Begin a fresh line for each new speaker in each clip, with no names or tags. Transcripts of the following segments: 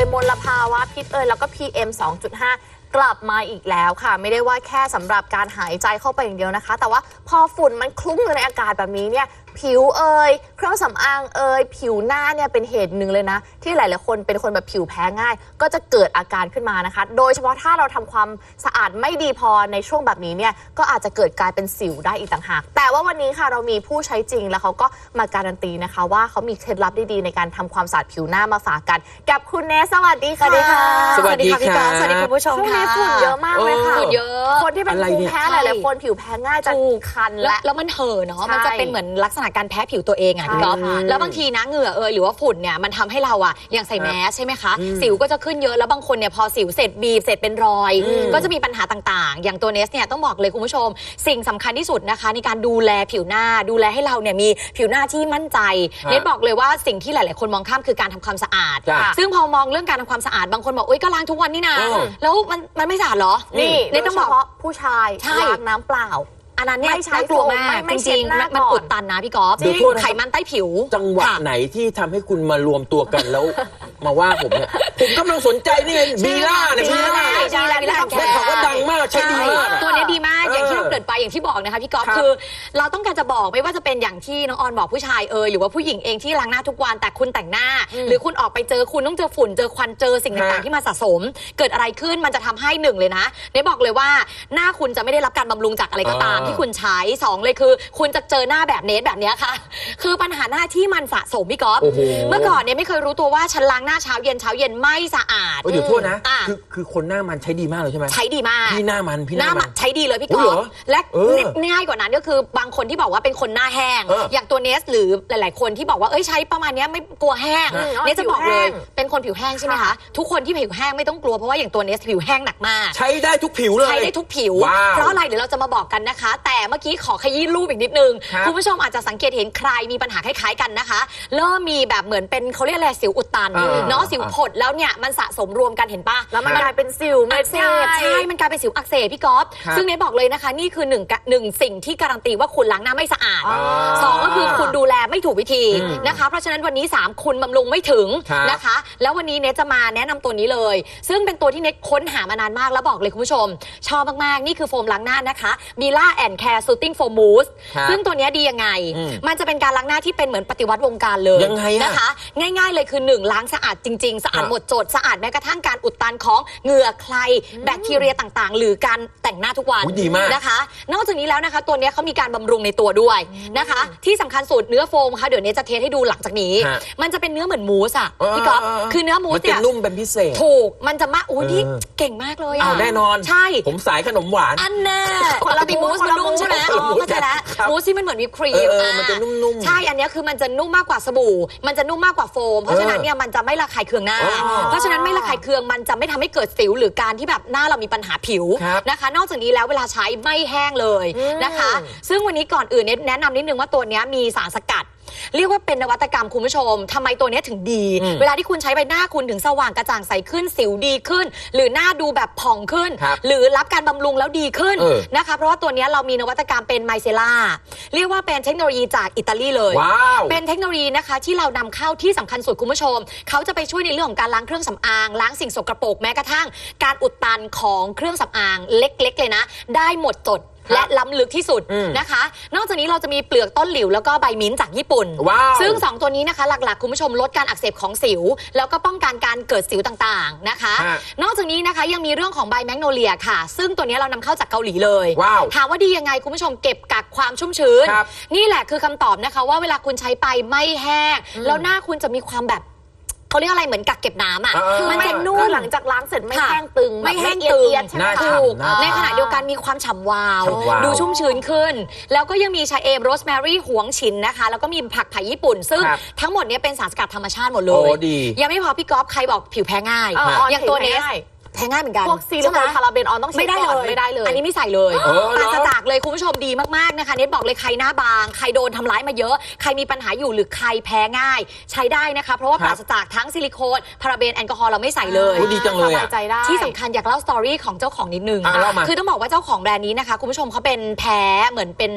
มลภาวะพิษแล้วก็ PM 2.5 กลับมาอีกแล้วค่ะไม่ได้ว่าแค่สำหรับการหายใจเข้าไปอย่างเดียวนะคะแต่ว่าพอฝุ่นมันคลุ้งอยู่ในอากาศแบบนี้เนี่ยผิวเครื่องสำอางผิวหน้าเนี่ยเป็นเหตุหนึ่งเลยนะที่หลายๆคนเป็นคนแบบผิวแพ้ง่ายก็จะเกิดอาการขึ้นมานะคะโดยเฉพาะถ้าเราทำความสะอาดไม่ดีพอในช่วงแบบนี้เนี่ยก็อาจจะเกิดกลายเป็นสิวได้อีกต่างหากแต่ว่าวันนี้ค่ะเรามีผู้ใช้จริงแล้วเขาก็มาการันตีนะคะว่าเขามีเคล็ดลับดีๆในการทำความสะอาดผิวหน้ามาฝากกันกับคุณเนสสวัสดีค่ะ
สวัสดีค่ะพี่กอล์ฟสวัสดีคุณผู้ชมค่ะ
ช่วงนี้ฝุ่นเยอะมากเลยค่ะ
ฝุ่นเยอะ
คนที่เป็นภูมิแพ้หลายๆคนผิวแพ้ง่ายจะคันแล้ว
มันเห่อะเนาะมันจะเป็นเหมือนลักษณะการแพ้ผิวตัวเองอ่ะพี่กอล์ฟแล้วบางทีนะเหงื่อหรือว่าฝุ่นเนี่ยมันทำให้เราอ่ะอย่างใส่แมสใช่ไหมคะสิวก็จะขึ้นเยอะแล้วบางคนเนี่ยพอสิวเสร็จบีบเสร็จเป็นรอยก็จะมีปัญหาต่างๆอย่างตัวเนสเนี่ยต้องบอกเลยคุณผู้ชมสิ่งสำคัญที่สุดนะคะในการดูแลผิวหน้าดูแลให้เราเนี่ยมีผิวหน้าที่มั่นใจเนสบอกเลยว่าสิ่งที่หลายๆคนมองข้ามคือการทำความสะอาดซึ่งพอมองเรื่องการทำความสะอาดบางคนบอกก็ล้างทุกวันนี่นะแล้วมันไม่สะอาดเหรอ
นี่เนสต้องบอกผู้ชายล้างน้ำเปล่า
อันนั้นเนี่ยน่ากลัวมากจริงๆมันอุดตันนะพี่กอล์ฟไขมันใต้ผิว
จังหวะไหนที่ทำให้คุณมารวมตัวกันแล้วมาว่าผมเนี่ยผมกำลังสนใจนี่ไงบีล่าเนี่ยบีล่าได้ข่าวว่าดังมากใช้ดีมาก
ตัวนี้ดีมากอย่างที่เราเกิดไปอย่างที่บอกนะคะพี่กอล์ฟคือเราต้องการจะบอกไม่ว่าจะเป็นอย่างที่น้องออนบอกผู้ชายหรือว่าผู้หญิงเองที่ล้างหน้าทุกวันแต่คุณแต่งหน้าหรือคุณออกไปเจอคุณต้องเจอฝุ่นเจอควันเจอสิ่งต่างๆที่มาสะสมเกิดอะไรขึ้นมันจะทำให้หนึ่งเลยนะเนี่ยบอกเลยว่าหน้าคุณจะไม่ได้รับการบำรุงจากอะไรก็ตามที่คุณใช้2เลยคือคุณจะเจอหน้าแบบเนสแบบนี้ค่ะคือปัญหาหน้าที่มันสะสมพี่ก๊อฟเมื่อก่อนเนี่ยไม่เคยรู้ตัวว่าฉันล้างหน้าเช้าเย็นไม่สะอาด
เดี๋ยวโทษนะคือคนหน้ามันใช้ดีมากเลยใช่ไหม
ใช้ดีมาก
พี่หน้ามัน
ใช้ดีเลยพี่ก๊อฟและง่ายกว่านั้นก็คือบางคนที่บอกว่าเป็นคนหน้าแห้งอย่างตัวเนสหรือหลายๆคนที่บอกว่าใช้ประมาณนี้ไม่กลัวแห้งเนสจะบอกเลยเป็นคนผิวแห้งใช่ไหมคะทุกคนที่ผิวแห้งไม่ต้องกลัวเพราะว่าอย่างตัวเนสผิวแห้งหนักมาก
ใช้ได้ทุกผิวเลย
ใช้ได้ทุกผิวเพราะอะไรเดี๋ยวเราจะมาบอกกันนะคะแต่เมื่อกี้ขอขยี้รูปอีกนิดนึงคุณผู้ชมอาจจะสังเกตเห็นใครมีปัญหาคล้ายๆกันนะคะเริ่มมีแบบเหมือนเป็นเขาเรียกอะไรสิวอุดตันเนาะสิวผดแล้วเนี่ยมันสะสมรวมกันเห็นปะ
แล้วมันกลายเป็นสิวอักเสบ
ใช่มันกลายเป็นสิวอักเสบพี่ก๊อฟซึ่งเนยบอกเลยนะคะนี่คือหนึ่งสิ่งที่การันตีว่าคุณล้างหน้าไม่สะอาด2ก็คือคุณดูแลไม่ถูกวิธีนะคะเพราะฉะนั้นวันนี้3คุณบำรุงไม่ถึงนะคะแล้ววันนี้เนยจะมาแนะนำตัวนี้เลยซึ่งเป็นตัวที่เนยค้นหามานานมากแล้วบอกเลยคุณผู้ชมชอบมากๆนี่คือโฟมล้างหน้านะคะบีล่าแอนด์แคร์ซูตติ้งโฟมมูสซึ่งตัวนี้ดียังไงมันจะเป็นการล้างหน้าที่เป็นเหมือนปฏิวัติวงการเลยนะคะง่ายๆเลยคือ1ล้างสะอาดจริงๆสะอาดหมดจดสะอาดแม้กระทั่งการอุดตันของเหงื่อใครแบคทีเรียต่างๆหรือการแต่งหน้าทุกวันนะคะนอกจากนี้แล้วนะคะตัวนี้เขามีการบำรุงในตัวด้วยนะคะที่สำคัญสุดเนื้อโฟมค่ะเดี๋ยวนี้จะเทสให้ดูหลังจากนี้มันจะเป็นเนื้อเหมือนมูสอ่ะพี่ก๊อฟคือเนื้อมูสเนี่ย
นุ่มเป็นพิเศษ
ถูกมันจะมานี่เก่งมากเลยอ่ะ
แน่นอน
ใช่
ผมสายขนมหวาน
อันแน่คนละมูสมันนุ่มใช่ไหมเข้าใจแล้วมูสที่มันเหมือนวิปครีม
มันจะนุ่ม
ๆใช่อันนี้คือมันจะนุ่มมากกว่าสบู่มันจะนุ่มมากกว่าโฟมเพราะฉะนั้นเนี่ยมันจะไม่ระคายเคืองหน้าเพราะฉะนั้นไม่ระคายเคืองมันจะไม่ทำให้เกิดสิวหรือการที่แบบหน้าเรามีปัญหาผิวนะคะนอกจากนี้แล้วเวลาใช้ไม่แห้งเลยนะคะซึ่งวันนี้ก่อนอื่นแนะนำนิดนึงว่าตัวนี้มีสารสกัดเรียกว่าเป็นนวัตกรรมคุณผู้ชมทำไมตัวนี้ถึงดีเวลาที่คุณใช้ใบหน้าคุณถึงสว่างกระจ่างใสขึ้นสิวดีขึ้นหรือหน้าดูแบบผ่องขึ้นหรือรับการบำรุงแล้วดีขึ้นนะคะเพราะว่าตัวนี้เรามีนวัตกรรมเป็นไมเซล่าเรียกว่าเป็นเทคโนโลยีจากอิตาลีเลยเป็นเทคโนโลยีนะคะที่เรานำเข้าที่สำคัญสุดคุณผู้ชมเขาจะไปช่วยในเรื่องของการล้างเครื่องสำอางล้างสิ่งสกปรกแม้กระทั่งการอุดตันของเครื่องสำอางเล็กๆเลยนะได้หมดจดและล้ำลึกที่สุดนะคะนอกจากนี้เราจะมีเปลือกต้นหลิวแล้วก็ใบมิ้นท์จากญี่ปุ่นซึ่ง2ตัวนี้นะคะหลักๆคุณผู้ชมลดการอักเสบของสิวแล้วก็ป้องกันการเกิดสิวต่างๆนะคะนอกจากนี้นะคะยังมีเรื่องของใบแมกโนเลียค่ะซึ่งตัวนี้เรานำเข้าจากเกาหลีเลยถามว่าดียังไงคุณผู้ชมเก็บกักความชุ่มชื้นนี่แหละคือคำตอบนะคะว่าเวลาคุณใช้ไปไม่แห้งแล้วหน้าคุณจะมีความแบบเขาเรียกอะไรเหมือนกักเก็บน้ำอ่ะ
มันจะนุ่มหลังจากล้างเสร็จไม่แห้งตึง
ไม่แห้งตึงถูกในขณะเดียวกันมีความฉ่ำวาวดูชุ่มชื้นขึ้นแล้วก็ยังมีชาเอมโรสแมรี่หวงฉินนะคะแล้วก็มีผักไผ่ญี่ปุ่นซึ่งทั้งหมดนี้เป็นสารสกัดธรรมชาติหมดเลยยังไม่พอพี่ก๊อฟใครบอกผิวแพ้ง่ายอย่างตัวเนสแพ้ง่ายเหมือนกัน
พวกซีลิโคนพาราเบนออนต้อง
ไม่ได้เลยอันนี้ไม่ใส่เลยปราศจากเลยคุณผู้ชมดีมากๆนะคะเน็ตบอกเลยใครหน้าบางใครโดนทำร้ายมาเยอะใครมีปัญหาอยู่หรือใครแพ้ง่ายใช้ได้นะคะเพราะว่าปราศจากทั้งซิลิโคนพาราเบนแอลกอฮอล์เราไม่ใส่เลย
ดีจังเลย
ที่สำคัญอยากเล่าสตอรี่ของเจ้าของนิดนึงคือต้องบอกว่าเจ้าของแบรนด์นี้นะคะคุณผู้ชมเขาเป็นแพ้เหมือนเป็นแพ้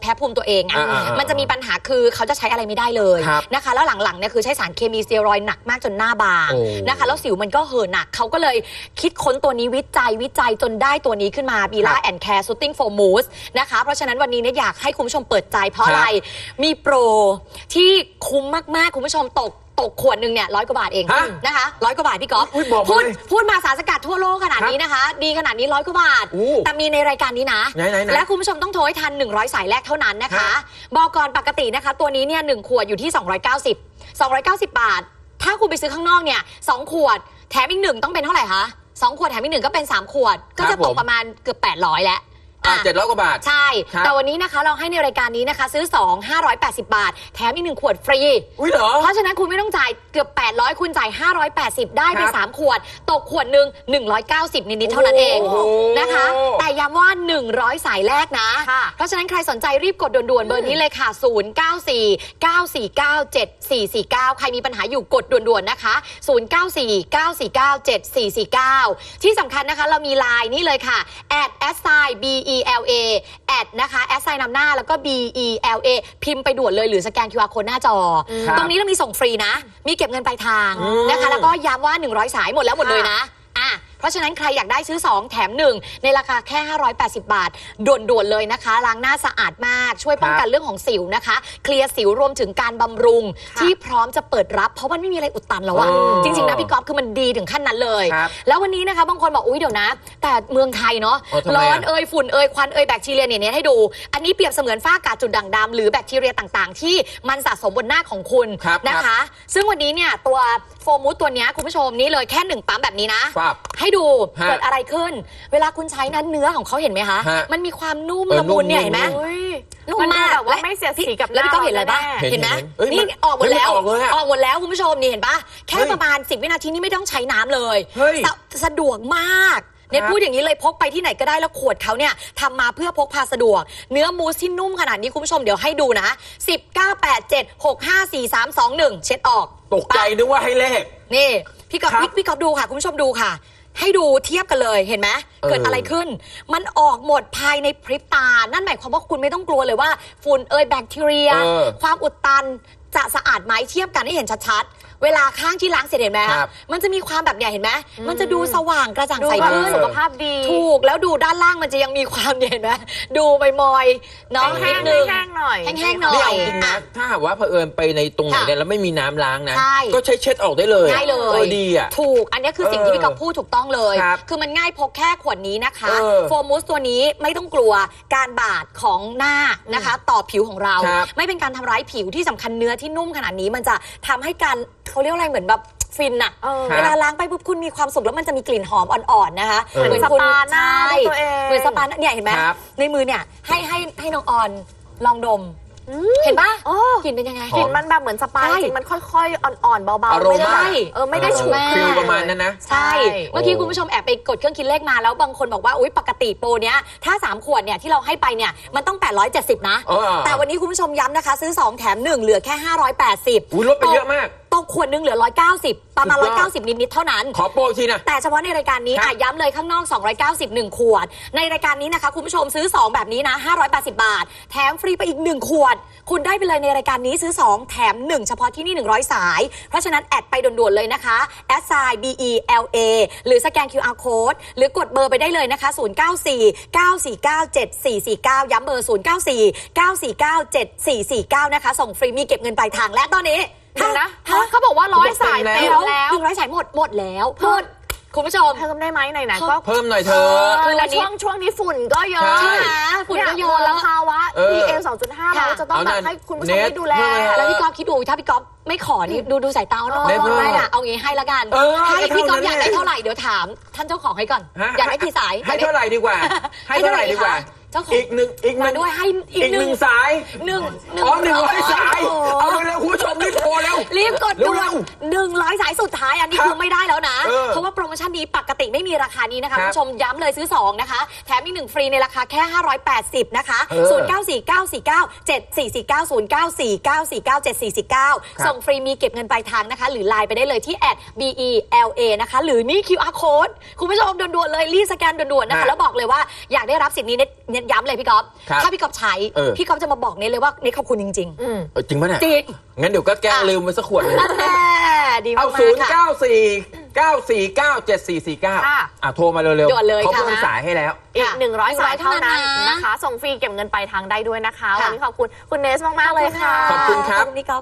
พ้ภูมิตัวเองมันจะมีปัญหาคือเขาจะใช้อะไรไม่ได้เลยนะคะแล้วหลังๆเนี่ยคือใช้สารเคมีสเตียรอยด์หนักมากจนหน้าบางนะคะแล้วสิวมันก็เห่อะหนักเขาก็เลยคิดค้นตัวนี้วิจัยจนได้ตัวนี้ขึ้นมาบีล่าแอนด์แคร์ซูตติ้งโฟมูสนะคะเพราะฉะนั้นวันนี้เนี่ยอยากให้คุณผู้ชมเปิดใจเพราะอะไรมีโปรที่คุ้มมากๆคุณผู้ชมตกขวดหนึ่งเนี่ย100 กว่าบาทเองนะคะ100 กว่าบาทพี่ก๊อฟพูดมาสารสกัดทั่วโลกขนาดนี้นะคะดีขนาดนี้100 กว่าบาทแต่มีในรายการนี้นะและคุณผู้ชมต้องโทรให้ทัน100 สายแรกเท่านั้นนะคะบอกก่อนปกตินะคะตัวนี้เนี่ย1 ขวดอยู่ที่290 บาทถ้าคุณไปซื้อข้างนอกเนี่ย2 ขวดแถมอีก1ต้องเป็นเท่าไหร่คะ2 ขวดแถมอีก1ก็เป็น3 ขวดก็จะตกประมาณเกือบ800แล้ว
700 กว่าบาท
ใช่แต่วันนี้นะคะเราให้ในรายการนี้นะคะซื้อ2 580 บาทแถมอีก1 ขวดฟรีเพราะฉะนั้นคุณไม่ต้องจ่ายเกือบ800คุณจ่าย580ได้ไป3 ขวดตกขวดหนึ่ง190นิดๆเท่านั้นเองนะคะแต่ย้ำว่า100 สายแรกนะเพราะฉะนั้นใครสนใจรีบกดด่วนๆเบอร์นี้เลยค่ะ0949497449ใครมีปัญหาอยู่กดด่วนๆนะคะ0949497449ที่สำคัญนะคะเรามีไลน์นี่เลยค่ะ@BELA แอดนะคะแอดไซน์นำหน้าแล้วก็ BELA พิมพ์ไปด่วนเลยหรือสแกน QR Code หน้าจอตรงนี้เรามีส่งฟรีนะมีเก็บเงินปลายทางนะคะแล้วก็ย้ำว่า100 สายหมดแล้วหมดเลยนะเพราะฉะนั้นใครอยากได้ซื้อ2 แถม 1ในราคาแค่580 บาทด่วนๆเลยนะคะล้างหน้าสะอาดมากช่วยป้องกันเรื่องของสิวนะคะเคลียร์สิวรวมถึงการบำรุงที่พร้อมจะเปิดรับเพราะมันไม่มีอะไรอุดตันแล้วอะจริงๆนะพี่ก๊อฟคือมันดีถึงขั้นนั้นเลยแล้ววันนี้นะคะบางคนบอกอุ๊ยเดี๋ยวนะแต่เมืองไทยเนาะร้อนฝุ่นควันแบคทีเรียเนี่ยให้ดูอันนี้เปรียบเสมือนฝ้ากาจุดด่างดำหรือแบคทีเรียต่างๆที่มันสะสมบนหน้าของคุณนะคะซึ่งวันนี้เนี่ยตัวโฟมูสตัวนี้คุณผู้ชมนี่เลยแค่1 ปั๊มแบบนี้นะให้ดูเกิดอะไรขึ้นเวลาคุณใช้นั้นเนื้อของเขาเห็นไหมคะมันมีความนุ่มละมุนเนี่ยเห็นไหมนุ่มมาก
แบบว่าไม่เสียสีกับ
แล้วพี่ก็เห็นอะไรปะเห็นไหมนี่ออกหมดแล้วคุณผู้ชมนี่เห็นปะแค่ประมาณ10 วินาทีนี่ไม่ต้องใช้น้ำเลยสะดวกมากเนี่ยพูดอย่างนี้เลยพกไปที่ไหนก็ได้แล้วขวดเขาเนี่ยทำมาเพื่อพกพาสะดวกเนื้อมูสที่นุ่มขนาดนี้คุณผู้ชมเดี๋ยวให้ดูนะ10 9 8 7 6 5 4 3 2 1เช็ดออก
ตกใจนึกว่าให้เลข
นี่พี่ก๊อฟดูค่ะคุณผู้ชมดูค่ะให้ดูเทียบกันเลยเห็นไหมเกิดอะไรขึ้นมันออกหมดภายในพริบตานั่นหมายความว่าคุณไม่ต้องกลัวเลยว่าฝุ่นแบคทีเรียความอุดตันจะสะอาดไหมเทียบกันให้เห็นชัดๆเวลาข้างที่ล้างเสร็จเห็นไหมมันจะมีความแบบเนี่ยเห็นไหมมันจะดูสว่างกระจ่างใสขึ้น
สุขภาพดี
ถูกแล้วดูด้านล่างมันจะยังมีความเห็นไหมดูมอยๆเนาะนิดนึง
แห้งๆหน่อย
นี่เอาจริงนะถ้าหากว่าเผอิญไปในตรงไหนเนี่ยแล้วไม่มีน้ำล้างนะก็ใช้เช็ดออกได้เลย
ง่ายเลย
ดีอ่ะ
ถูกอันนี้คือสิ่งที่พี่ก๊อฟพูดถูกต้องเลยคือมันง่ายพกแค่ขวดนี้นะคะโฟมูสตัวนี้ไม่ต้องกลัวการบาดของหน้านะคะต่อผิวของเราไม่เป็นการทำร้ายผิวที่สำคัญเนื้อที่นุ่มขนาดนี้มันจะทำให้การเขาเรียกอะไรเหมือนแบบฟินอะเวลาล้างไปปุ๊บคุณมีความสุขแล้วมันจะมีกลิ่นหอมอ่อนๆนะคะ
เหมือนสปาหน้าตัวเอง
เหมือนสปาเนี่ยเห็นไหมในมือเนี่ยให้น้องออนลองดมเห็นปะกลิ่นเป็นยังไง
กลิ่นมันแบบเหมือนสปาจริงมันค่อยๆอ่อนๆเบาๆไม่ได้ฉุก
ฟิลประมาณนั้นนะ
ใช่เมื่อกี้คุณผู้ชมแอบไปกดเครื่องคิดเลขมาแล้วบางคนบอกว่าอุ๊ยปกติโปรเนี้ยถ้า3 ขวดเนี่ยที่เราให้ไปเนี่ยมันต้อง870นะแต่วันนี้คุณผู้ชมย้ำนะคะซื้อ2 แถม 1เหลือแค่580
ลดไปเยอะมาก
ตกขวดนึงเหลือ190ประมาณ190นิดๆเท่านั้น
ขอโปรทีนะ
แต่เฉพาะในรายการนี้ย้ำเลยข้างนอก290 1 ขวดในรายการนี้นะคะคุณผู้ชมซื้อ2แบบนี้นะ580 บาทแถมฟรีไปอีก1 ขวดคุณได้ไปเลยในรายการนี้ซื้อ2 แถม 1เฉพาะที่นี่100 สายเพราะฉะนั้นแอดไปด่วนๆเลยนะคะ@BELA หรือสแกน QR Code หรือกดเบอร์ไปได้เลยนะคะ0949497449ย้ำเบอร์0949497449นะคะส่งฟรีมีเก็บเงินปลายทางและตอนนี้
นะเขาบอกว่า100 สายเต็มแล้ว
100 สายหมดแล้วคุณผู้ชม
เพิ่มได้ไหมไหนๆก็
เพิ่มหน่อยเธอ
คือช่วงนี้ฝุ่นก็เยอะฝุ่นก็เยอะแล้วภาวะ PM 2.5เราจะต้องแบบให้คุณผู้ชมได้ดูแล
แล้วพี่ก๊อฟคิดดูถ้าพี่ก๊อฟไม่ขอนี่ดูสายตาเนาะไม่อะเอางี้ให้ละกันให้พี่ก๊อฟอยากได้เท่าไหร่เดี๋ยวถามท่านเจ้าของให้ก่อนอยากได้กี่สาย
ให้เท่าไหร่ดีกว่าให้เท่าไหร่ดีกว่าอีกหนึ่ง
ด้วยให้
อีกหนึ่งสาย100 สายเอาไปเลยคุณผู้ชมรีบโทรแล้ว
รีบกดด่วน100 สายสุดท้ายอันนี้คือไม่ได้แล้วนะเพราะว่าโปรโมชั่นนี้ปกติไม่มีราคานี้นะคะคุณผู้ชมย้ำเลยซื้อ2นะคะแถมอีก1ฟรีในราคาแค่580นะคะ0949497449 ส่งฟรีมีเก็บเงินปลายทางนะคะหรือไลน์ไปได้เลยที่@BELA นะคะหรือนี่ QR Code คุณผู้ชมด่วนๆเลยรีบสแกนด่วนๆนะคะแล้วบอกเลยว่าอยากได้รับสิทธิ์นี้ในเนี่ยย้ำเลยพี่ก๊อฟ
ครับ
ถ้าพี่ก๊อฟใช้พี่ก๊อฟจะมาบอกเนทเลยว่าเนทขอบคุณจริง
อืม
จริงปะเนี่ย
จริง
งั้นเดี๋ยวก็แก้ลืมไปสักขวดหนึง
ๆแม่ดีมา
เอา
กๆค่ะ
094-949-7449
ค่ะ
โทรมาเร็ว
ด่วนเลย
เขา
ค่ะ
เพิ่มสายให้แล้ว
อีก
ค่ะ
100 สายเท่านั้น
เท่านั้นนะ
นะคะ ส่งฟรีเก็บเงินปลายทางได้ด้วยนะคะ
ค่ะ
วันนี้ขอบคุณคุณเนสมากๆเลยค่ะ
ขอบคุณครับ
ขอบคุณพี่ก๊อฟ